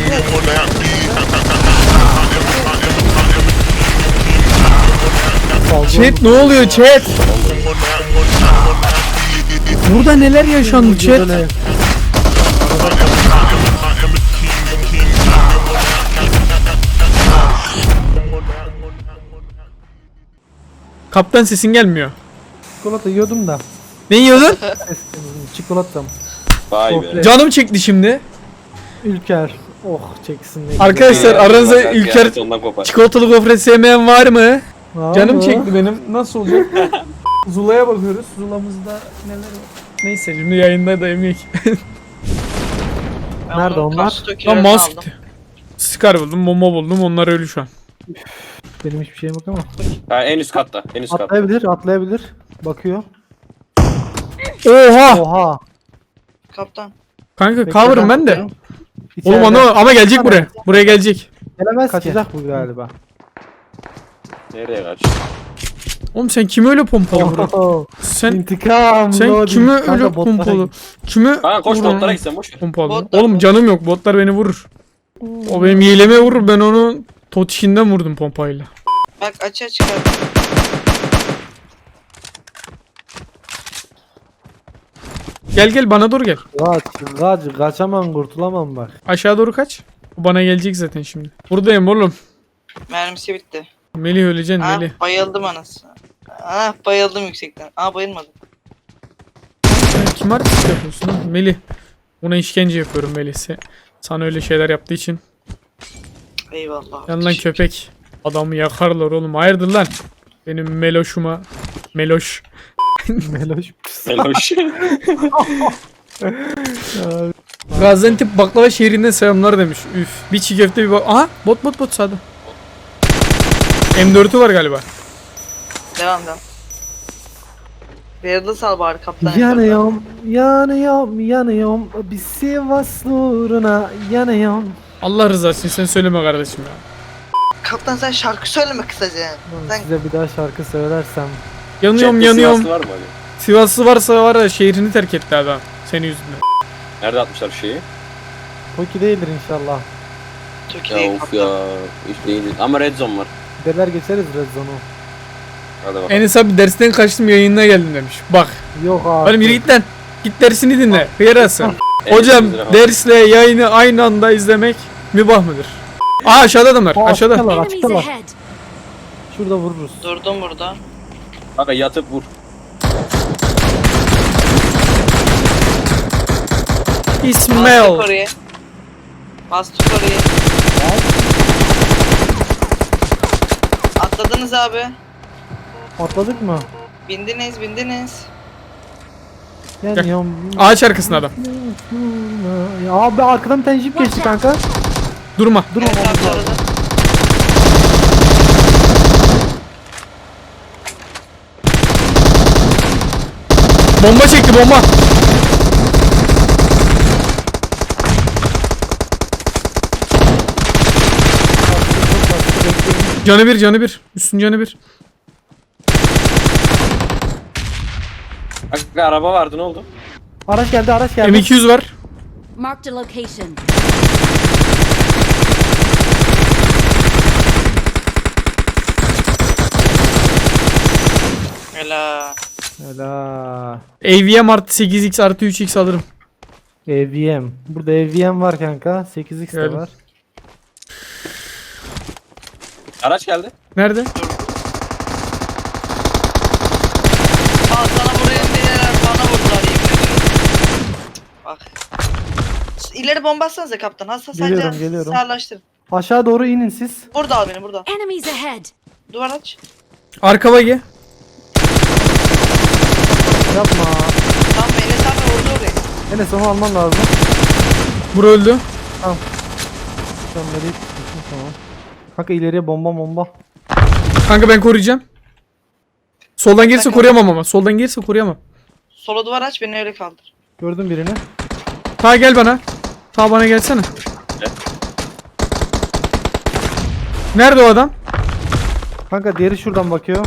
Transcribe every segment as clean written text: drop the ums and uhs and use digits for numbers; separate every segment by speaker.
Speaker 1: Chat ne oluyor chat? Burada neler yaşandı chat? Kaptan sesin gelmiyor.
Speaker 2: Çikolata yiyordum da.
Speaker 1: Ne yiyordun?
Speaker 2: Çikolatam.
Speaker 3: Vay be.
Speaker 1: Canım çekti şimdi.
Speaker 2: Ülker. Oh çeksin. ne
Speaker 1: Arkadaşlar aranızda
Speaker 3: Bak,
Speaker 1: Ülker
Speaker 3: kıyamet ondan kopar.
Speaker 1: çikolatalı gofret sevmeyen var mı?
Speaker 2: güzel.
Speaker 1: Canım
Speaker 2: Aa,
Speaker 1: çekti benim. Nasıl olacak? Zula'ya bakıyoruz. Zula'mızda neler var? Neyse şimdi yayında da yemek.
Speaker 2: Nerede onlar?
Speaker 1: Tam mouse gitti. Scar buldum, bomba buldum. Onlar ölü şu an.
Speaker 2: Benim hiçbir şeyim yok ama.
Speaker 3: Ha, en üst katta. En üst katta.
Speaker 2: Atlayabilir. Bakıyor.
Speaker 1: Oha!
Speaker 2: Oha.
Speaker 4: Kaptan.
Speaker 1: Kanka
Speaker 2: Bekle,
Speaker 1: cover'ım ben de.
Speaker 2: bakıyorum.
Speaker 1: Oğlum
Speaker 2: İçeride.
Speaker 1: ama gelecek buraya. Buraya gelecek.
Speaker 2: Gelemez Kaçacak bu galiba.
Speaker 3: Nereye kaç?
Speaker 1: Oğlum sen kimi öyle pompalı bro?
Speaker 2: Oho.
Speaker 1: Sen
Speaker 2: İntikam.
Speaker 1: kimi
Speaker 2: Kanka,
Speaker 1: öyle
Speaker 2: botlara
Speaker 1: pompalı?
Speaker 2: git.
Speaker 1: Kimi
Speaker 3: Ha koş
Speaker 1: vuruyorsun?
Speaker 3: botlara gitsen boş ver.
Speaker 1: Pompalı.
Speaker 4: Botlar,
Speaker 1: Oğlum
Speaker 4: bot.
Speaker 1: canım yok. Botlar beni vurur. O benim hileme vurur. Ben onu totişinden vurdum pompayla.
Speaker 4: Bak açığa çıkar.
Speaker 1: Gel bana doğru gel.
Speaker 2: Kaçamam kurtulamam bak.
Speaker 1: Aşağı doğru kaç. O bana gelecek zaten şimdi. Buradayım oğlum.
Speaker 4: Mermisi bitti.
Speaker 1: Melih öleceksin Melih.
Speaker 4: Bayıldım anasını. Bayıldım yüksekten. Bayılmadım.
Speaker 1: Sen kim artist yapıyorsun lan? Melih. Ona işkence yapıyorum Melih. Sana öyle şeyler yaptığı için.
Speaker 4: Eyvallah.
Speaker 1: Yan lan köpek. Adamı yakarlar oğlum. Hayırdır lan? Benim Meloş'uma. Meloş.
Speaker 2: Meloş.
Speaker 3: Meloş.
Speaker 1: Gaziantep baklava şehrinden selamlar demiş. Üf. Bir çiğ köfte bir bak. Aha bot sağda. M4'ü var galiba.
Speaker 4: Devam. Verildi sal bari kaptan.
Speaker 2: Yanıyorum. Bir Sivaslı uğruna yanıyorum.
Speaker 1: Allah rızası için sen söyleme kardeşim ya.
Speaker 4: Kaptan sen şarkı söyleme kısaca. Sen
Speaker 2: Size bir daha şarkı söylersem.
Speaker 1: Yanıyorum.
Speaker 3: Sivaslı var mı hani?
Speaker 1: Sivaslı varsa var ya şehrini terk etti adam. Senin yüzünden.
Speaker 3: Nerede atmışlar şeyi?
Speaker 2: Toki değildir inşallah.
Speaker 4: Türkiye'yi
Speaker 3: Ya of
Speaker 4: kaptan.
Speaker 3: ya. Hiç değil. Ama red zone var.
Speaker 2: Giderler geçeriz Red Zone'u.
Speaker 3: Hadi bakalım.
Speaker 1: Enes abi dersten kaçtım yayınına geldim demiş. Bak.
Speaker 2: Yok abi.
Speaker 1: Oğlum yürü git lan. Git dersini dinle. Hıyarası.
Speaker 3: En
Speaker 1: Hocam
Speaker 3: üst lira
Speaker 1: dersle yayını aynı anda izlemek mübah mıdır? Aa aşağıda adamlar. Aşağıda.
Speaker 2: Açıktalar.
Speaker 5: Enemies ahead.
Speaker 2: Şurada vururuz.
Speaker 4: Durdum burada.
Speaker 3: Kanka yatıp vur.
Speaker 1: İsmail.
Speaker 4: Bastık oraya. Atladınız abi.
Speaker 2: Atladık mı?
Speaker 4: Bindiniz.
Speaker 2: Yanıyorum.
Speaker 1: Ağaç arkasında adam.
Speaker 2: Ya abi arkadan bir tane jip geçti kanka.
Speaker 1: Durma.
Speaker 2: Dur
Speaker 4: Evet abi
Speaker 2: ama.
Speaker 4: arada.
Speaker 1: Bomba çekti bomba. Canı bir. Üstün canı bir.
Speaker 3: Kanka araba vardı ne oldu?
Speaker 2: Araç geldi.
Speaker 1: M200 var.
Speaker 5: Marked a location.
Speaker 4: Helal.
Speaker 2: Helal.
Speaker 1: AVM artı 8x artı 3x alırım.
Speaker 2: AVM. Burada AVM var kanka. 8x de
Speaker 1: Geldim.
Speaker 2: var.
Speaker 3: Araç geldi.
Speaker 1: Nerede?
Speaker 4: Sana buraya indiler bana vurdular yemin ediyorum. Bak. İleri bomba atsanıza kaptan.
Speaker 2: Geliyorum.
Speaker 4: Sağlaştırın.
Speaker 2: Aşağı doğru inin siz.
Speaker 4: Burada al beni burada.
Speaker 5: Enemies ahead.
Speaker 4: Duvar aç.
Speaker 1: Arka bagi.
Speaker 2: Yapma.
Speaker 4: Tamam Enes abi vurdu oraya.
Speaker 2: Enes onu alman lazım.
Speaker 1: Bura öldü.
Speaker 2: Sen nereye tutmuşsun tamam. Kanka ileriye bomba.
Speaker 1: Kanka ben koruyacağım. Soldan gelirse koruyamam ama. Soldan gelirse koruyamam.
Speaker 4: Sola duvar aç beni öyle kaldır.
Speaker 2: Gördüm birini.
Speaker 1: Ta gel bana. Ta bana gelsene.
Speaker 3: Gel.
Speaker 1: Nerede o adam?
Speaker 2: Kanka diğeri şuradan bakıyor.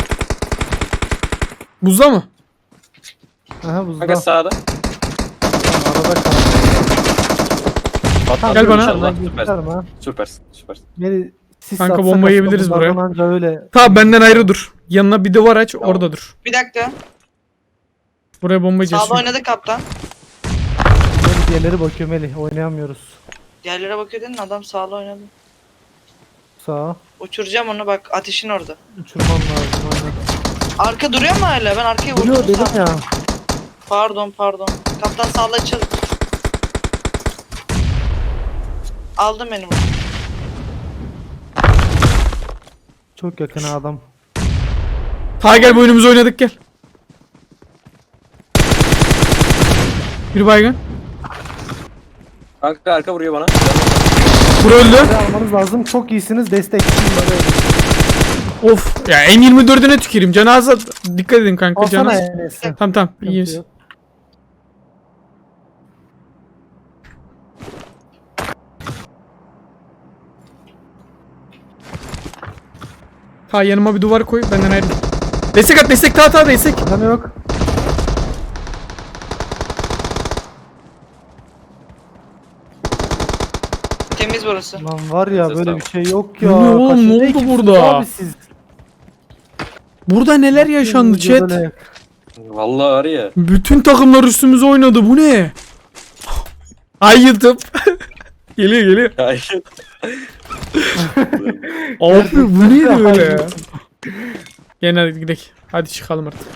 Speaker 1: Buzda mı?
Speaker 2: Aha buzda.
Speaker 3: Kanka sağda.
Speaker 2: Arada kaldı.
Speaker 3: Patlattın
Speaker 1: Gel bana.
Speaker 3: inşallah.
Speaker 2: Gösterme
Speaker 3: Süpersin.
Speaker 2: ha.
Speaker 3: Süpersin. Süpersin.
Speaker 2: Beni sis
Speaker 1: Kanka,
Speaker 2: atsak
Speaker 1: bomba yiyebiliriz
Speaker 2: bunlardan
Speaker 1: buraya.
Speaker 2: Anca öyle.
Speaker 1: Ta benden ayrı dur. Yanına bir duvar aç,
Speaker 3: Tamam.
Speaker 1: orada dur.
Speaker 4: Bir dakika.
Speaker 1: Buraya bomba yiyeceğiz.
Speaker 4: Sağda
Speaker 1: şimdi.
Speaker 4: oynadı kaptan.
Speaker 2: Melih diğerleri bakıyor Melih. Oynayamıyoruz.
Speaker 4: Diğerlere bakıyor dedin adam sağda oynadı.
Speaker 2: Sağa.
Speaker 4: Uçuracağım onu bak ateşin orada.
Speaker 2: Uçurman lazım aynen.
Speaker 4: Arka duruyor mu hala? Ben arkaya
Speaker 2: Duruyor
Speaker 4: vurdum
Speaker 2: dedim
Speaker 4: sağ.
Speaker 2: ya.
Speaker 4: Pardon. Kaptan sağla açıl. Aldım beni bunu.
Speaker 2: Çok yakın ha adam.
Speaker 1: Ta gel, bu oyunumuzu oynadık, gel. Bir baygın.
Speaker 3: Kanka arka vuruyor bana.
Speaker 1: Bura öldü.
Speaker 2: Buraya almanız lazım. Çok iyisiniz. Destek.
Speaker 1: Of. Ya M24'üne tüküreyim. Cenaze dikkat edin kanka.
Speaker 2: Alsana
Speaker 1: Cenaze.
Speaker 2: Enes'i.
Speaker 1: Tamam iyiyiz. Ta yanıma bir duvar koy, benden ayrı. Destek at, destek, ta destek.
Speaker 2: Canı yok.
Speaker 4: Temiz burası.
Speaker 2: Lan var ya
Speaker 3: Ses
Speaker 2: böyle
Speaker 3: tamam.
Speaker 2: bir şey yok ya.
Speaker 1: Bu ne oğlum,
Speaker 2: Kaçıncı
Speaker 1: ne oldu
Speaker 2: ekipsiniz
Speaker 1: burada?
Speaker 2: Abi siz.
Speaker 1: Burada neler yaşandı chat?
Speaker 2: Böyle-
Speaker 3: Vallahi var ya.
Speaker 1: Bütün takımlar üstümüze oynadı, bu ne? Ay YouTube. geliyor.
Speaker 3: Hayır.
Speaker 1: Abi bu neydi böyle ya? Gene hadi gidelim. Hadi çıkalım artık.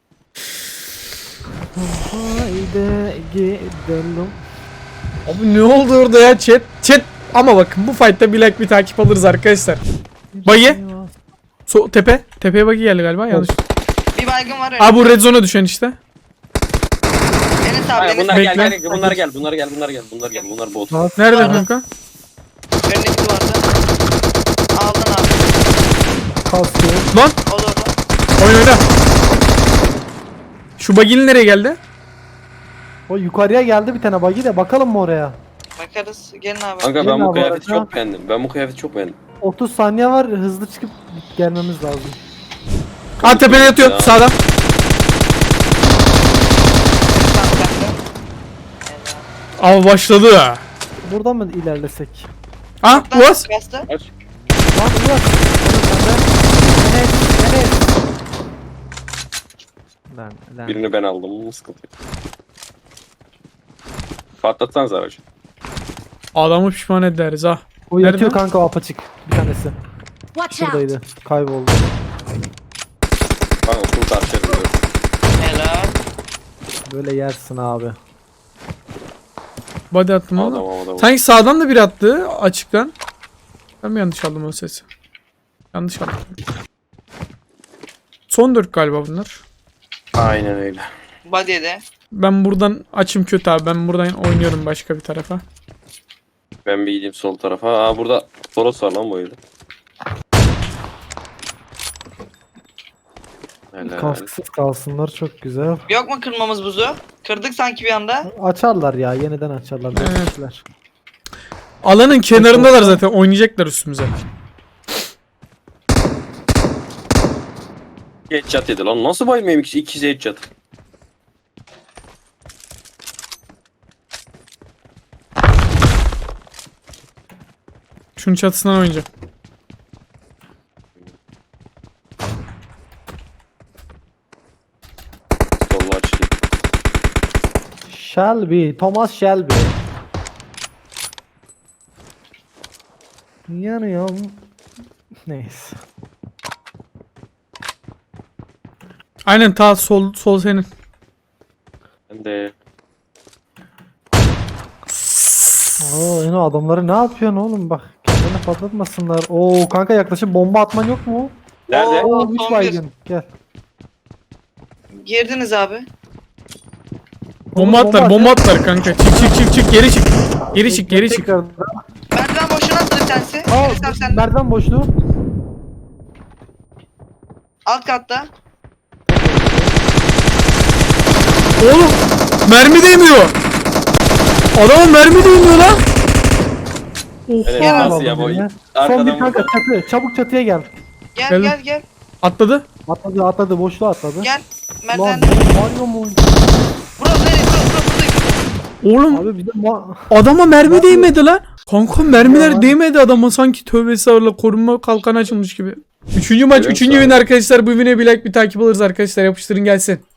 Speaker 2: Haydi gidelim.
Speaker 1: Abi ne oldu orada ya chat? Chat ama bakın bu fight'ta bir like bir takip alırız arkadaşlar. Bayı. Tepe. Tepeye bagi geldi galiba, yanlış.
Speaker 4: Bir baygın var öyle.
Speaker 1: Aa, bu red zone'a düşen işte.
Speaker 4: Enes abi
Speaker 3: Hayır,
Speaker 4: Enes.
Speaker 3: bunlar
Speaker 1: Bekle.
Speaker 3: gel. Bunlar gel. Bunlar bot.
Speaker 1: Nerede
Speaker 4: Pardon.
Speaker 1: kanka?
Speaker 4: Önündeki duvarda. Aldın abi.
Speaker 2: Kalkıyor.
Speaker 1: Lan
Speaker 4: O da orada.
Speaker 1: oyna. Şu baginin nereye geldi?
Speaker 2: O yukarıya geldi bir tane bagi de bakalım mı oraya?
Speaker 4: Bakarız. Gelin abi.
Speaker 3: Kanka
Speaker 2: Gelin
Speaker 3: ben bu
Speaker 2: abi
Speaker 3: kıyafeti
Speaker 2: arada.
Speaker 3: çok beğendim.
Speaker 2: 30 saniye var hızlı çıkıp gelmemiz lazım.
Speaker 1: Aa, tepede yatıyor
Speaker 3: Ya.
Speaker 1: sağda.
Speaker 4: Tamam, kanka.
Speaker 1: Abi başladı.
Speaker 2: Buradan mı ilerlesek?
Speaker 1: Ha, Uaz.
Speaker 4: Bastı.
Speaker 3: Aç.
Speaker 2: Lan Uğur. Enes. Lan.
Speaker 3: Birini ben aldım. Sıkıntı yok. Patlatsanız aracı.
Speaker 1: Adamı pişman ederiz ha.
Speaker 2: O
Speaker 1: Nerede?
Speaker 2: yatıyor kanka o apaçık. Bir tanesi.
Speaker 5: Watch out!
Speaker 2: Şuradaydı. Kayboldu.
Speaker 3: Kanka full tartışalım diyorum.
Speaker 4: Helal.
Speaker 2: Böyle yersin abi.
Speaker 1: Body attım ama.
Speaker 3: Adam.
Speaker 1: Sanki sağdan da biri attı açıktan. Ben mi yanlış aldım o sesi? Yanlış aldım. Son 4 galiba bunlar.
Speaker 3: Aynen öyle.
Speaker 4: Body'de.
Speaker 1: Ben buradan açım kötü abi. Ben buradan oynuyorum başka bir tarafa.
Speaker 3: Ben bir gideyim sol tarafa. Aa burada Toros var lan bu evde. Helal.
Speaker 2: Kasksız kalsınlar çok güzel.
Speaker 4: Yok mu kırmamız buzu? Kırdık sanki bir anda.
Speaker 2: Açarlar ya yeniden açarlar.
Speaker 1: Evet.
Speaker 2: Beklemişler.
Speaker 1: Alanın kenarındalar zaten. Oynayacaklar üstümüze.
Speaker 3: Headshot yedi lan. Nasıl bayılmayayım ikisi headshot?
Speaker 1: Şunun çatısından oynayacağım.
Speaker 3: Solla açayım.
Speaker 2: Shelby. Thomas Shelby. Yanıyorum. Neyse.
Speaker 1: Aynen ta sol senin.
Speaker 3: Ben de
Speaker 2: Oo yine adamları ne yapıyorsun oğlum bak. Kendini patlatmasınlar. Oo kanka yaklaşık bomba atman yok mu?
Speaker 3: nerede?
Speaker 4: Oo.
Speaker 2: Oo 3
Speaker 4: son
Speaker 2: baygın. Gel.
Speaker 4: Girdiniz abi.
Speaker 1: Bomba atlar kanka. Çık geri çık. Geri çık.
Speaker 2: Tekrar.
Speaker 4: Merdiven boşuna attı bir tanesi.
Speaker 2: Aa
Speaker 4: Enes abi sende.
Speaker 2: merdiven boşluğu.
Speaker 4: Alt katta.
Speaker 1: Oğlum mermi değmiyor. Adamın mermi değmiyor lan.
Speaker 3: Evet,
Speaker 1: Oha.
Speaker 3: nasıl ya bu?
Speaker 2: Son bir
Speaker 3: Arkadan
Speaker 2: kanka
Speaker 3: vurdu.
Speaker 2: çatı. Çabuk çatıya gel.
Speaker 4: Gel
Speaker 1: Geldim.
Speaker 4: gel.
Speaker 1: Atladı.
Speaker 2: Atladı boşluğa atladı.
Speaker 4: Gel.
Speaker 2: Lan
Speaker 4: Merdivende.
Speaker 2: Mario mu?
Speaker 4: Burası nereye? Buradayım.
Speaker 1: Oğlum
Speaker 2: Abi bir de
Speaker 1: adama mermi değmedi lan. Kanka mermiler
Speaker 2: Ya.
Speaker 1: değmedi adama, sanki tövbe estağfurullah korunma kalkanı açılmış gibi. Üçüncü maç,
Speaker 3: Görüyor
Speaker 1: üçüncü
Speaker 3: musun
Speaker 1: win
Speaker 3: abi?
Speaker 1: arkadaşlar. Bu win'e bir like bir takip alırız arkadaşlar. Yapıştırın gelsin.